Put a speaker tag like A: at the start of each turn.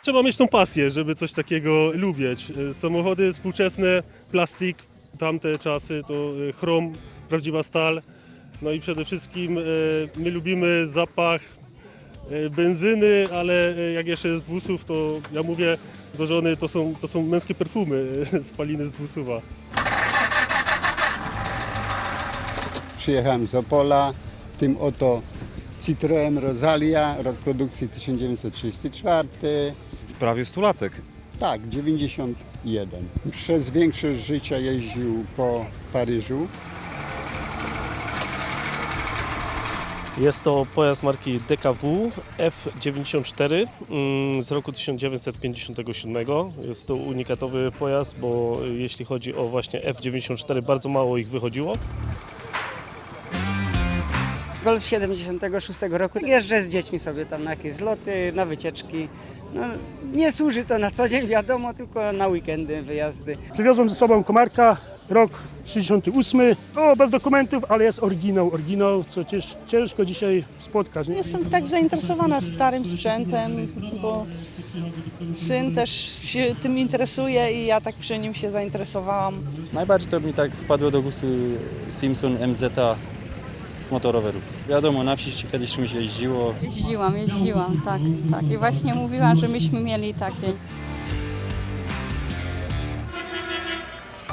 A: trzeba mieć tą pasję, żeby coś takiego lubić. Samochody współczesne, plastik, tamte czasy to chrom, prawdziwa stal. No i przede wszystkim my lubimy zapach benzyny, ale jak jeszcze jest dwusuw, to ja mówię do żony, to są męskie perfumy, spaliny z dwusuwa.
B: Przyjechałem z Opola, tym oto Citroen Rosalia, rok produkcji 1934.
C: Już prawie 100-latek.
B: Tak, 91. Przez większość życia jeździł po Paryżu.
D: Jest to pojazd marki DKW F94 z roku 1957. Jest to unikatowy pojazd, bo jeśli chodzi o właśnie F94, bardzo mało ich wychodziło.
E: Golf 76 roku. Jeżdżę z dziećmi sobie tam na jakieś zloty, na wycieczki. No, nie służy to na co dzień, wiadomo, tylko na weekendy, wyjazdy.
F: Przywiozłem ze sobą komarka, rok 68. O, bez dokumentów, ale jest oryginał, co ciężko dzisiaj spotkać. Nie?
G: Jestem tak zainteresowana starym sprzętem, bo syn też się tym interesuje i ja tak przy nim się zainteresowałam.
H: Najbardziej to mi tak wpadło do gustu Simpson MZ z motorowerów. Wiadomo, na wsi kiedyś czymś jeździło.
I: Jeździłam, tak. I właśnie mówiłam, że myśmy mieli takie.